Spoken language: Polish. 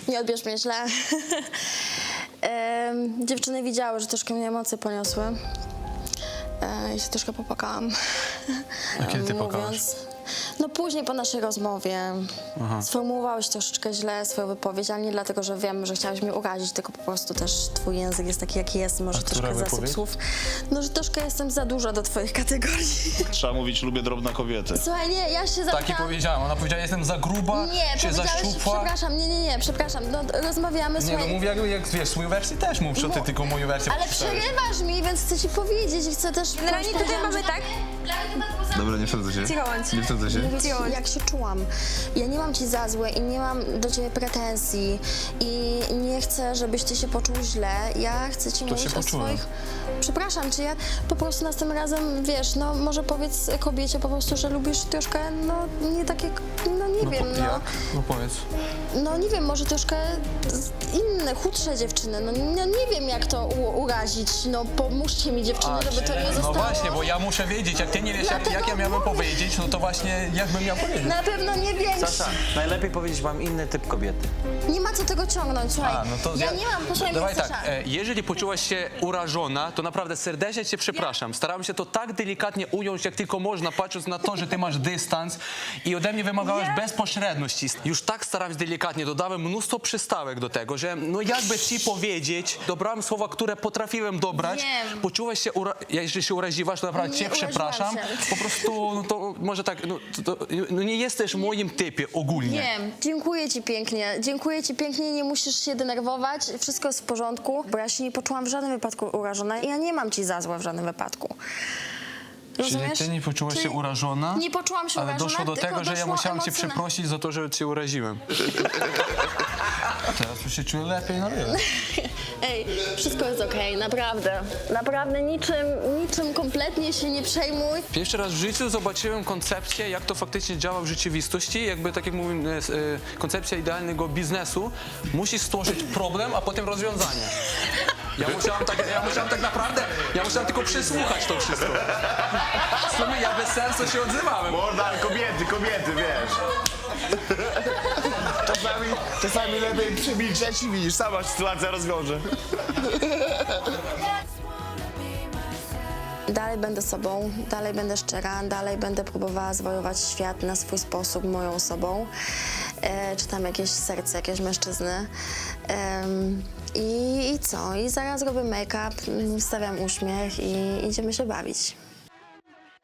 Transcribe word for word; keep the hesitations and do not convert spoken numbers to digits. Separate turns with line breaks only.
Nie odbierz mnie źle. Em, Dziewczyny widziały, że troszkę mnie emocje poniosły. E, I się troszkę popłakałam.
A kiedy ty
Mówiąc-
płakałaś?
No później po naszej rozmowie.
Aha.
Sformułowałeś troszeczkę źle swoją wypowiedź, ale nie dlatego, że wiem, że chciałeś mnie urazić, tylko po prostu też twój język jest taki, jaki jest. Może
A która
troszkę zasób
wypowiedź?
słów. No, że troszkę jestem za duża do twoich kategorii.
Trzeba mówić, lubię drobne kobiety.
Słuchaj, nie, ja się zapytałam...
Tak i powiedziałam. Ona powiedziała, jestem za gruba,
Nie,
czy za
powiedziałeś,
szczupła.
przepraszam, nie, nie, nie, przepraszam, no rozmawiamy,
Nie,
słuchaj...
no mówię, jak, jak wiesz, swoją wersję też mów, co ty
Mu-
tylko moją wersję
Ale
przeczytałeś.
przerywasz mi, więc chcę ci powiedzieć i chcę też...
Generalnie tutaj mamy tak.
Dobra, nie wstydzę się.
Cicho bądź.
Nie wstydzę się.
Cicho.
Jak się czułam. Ja nie mam ci za złe i nie mam do ciebie pretensji i nie chcę, żebyś ty się poczuł źle. Ja chcę ci mówić
się
o
poczułem.
swoich... Przepraszam, czy ja po prostu następnym razem, wiesz, no może powiedz kobiecie po prostu, że lubisz troszkę, no nie takie, no nie
No,
wiem,
po,
no...
jak? No powiedz.
No nie wiem, może troszkę z- inne, chudsze dziewczyny, no nie, nie wiem jak to u, urazić, no pomóżcie mi dziewczyny, żeby to nie
No
zostało...
właśnie, bo ja muszę wiedzieć, jak ty nie wiesz, jak,
Dlatego
jak ja miałem
mówię.
powiedzieć, no to właśnie jak bym miał powiedzieć.
Na pewno nie wiem,
Sasza, najlepiej powiedzieć wam inny typ kobiety.
nie ma co tego ciągnąć, słuchaj,
A, no to
ja nie mam, posłuchaj
Dawaj
mnie,
tak,
Sasza.
e, jeżeli poczułaś się urażona, to naprawdę serdecznie cię przepraszam. Staram się to tak delikatnie ująć, jak tylko można, patrząc na to, że ty masz dystans i ode mnie wymagałaś bezpośredności. Już tak staram się delikatnie, dodałem mnóstwo przystawek do tego, że no jakby ci powiedzieć, dobrałem słowa, które potrafiłem dobrać.
Wiem.
Poczułaś się, ura... jeżeli się uraziłaś, to naprawdę
Nie
cię
uraziłam
przepraszam.
się.
Po prostu, no to może tak, no, to, to, no nie jesteś w moim typie ogólnie.
Wiem, dziękuję ci pięknie, dziękuję ci pięknie, nie musisz się denerwować, wszystko jest w porządku, bo ja się nie poczułam w żadnym wypadku urażona, ja nie mam ci za złe w żadnym wypadku.
Czyli
Rozumiesz?
ty nie poczułaś się
Czyli
urażona?
Nie poczułam się
Ale
urażona,
doszło do
tylko
tego, że ja
doszło
musiałam cię
emocjonalnie.
przeprosić za to, że cię uraziłem. Teraz już się czuję lepiej na wiele.
Ej, wszystko jest okej, naprawdę. Naprawdę niczym, niczym kompletnie się nie przejmuj.
Pierwszy raz w życiu zobaczyłem koncepcję, jak to faktycznie działa w rzeczywistości. Jakby, tak jak mówię, e, e, koncepcja idealnego biznesu. Musisz stworzyć problem, a potem rozwiązanie. Ja musiałam tak, ja musiałam tak naprawdę, ja musiałam tylko przesłuchać to wszystko. W sumie ja bez sensu się odzywałem.
Morda, kobiety, kobiety, wiesz. Czasami, czasami lepiej przemilczeć i widzisz, sama sytuacja rozwiąże.
Dalej będę sobą, dalej będę szczera, dalej będę próbowała zwojować świat na swój sposób, moją osobą. E, czy tam jakieś serce, jakieś mężczyzny. Em, i, I co? I zaraz robię make-up, mm, stawiam uśmiech i idziemy się bawić.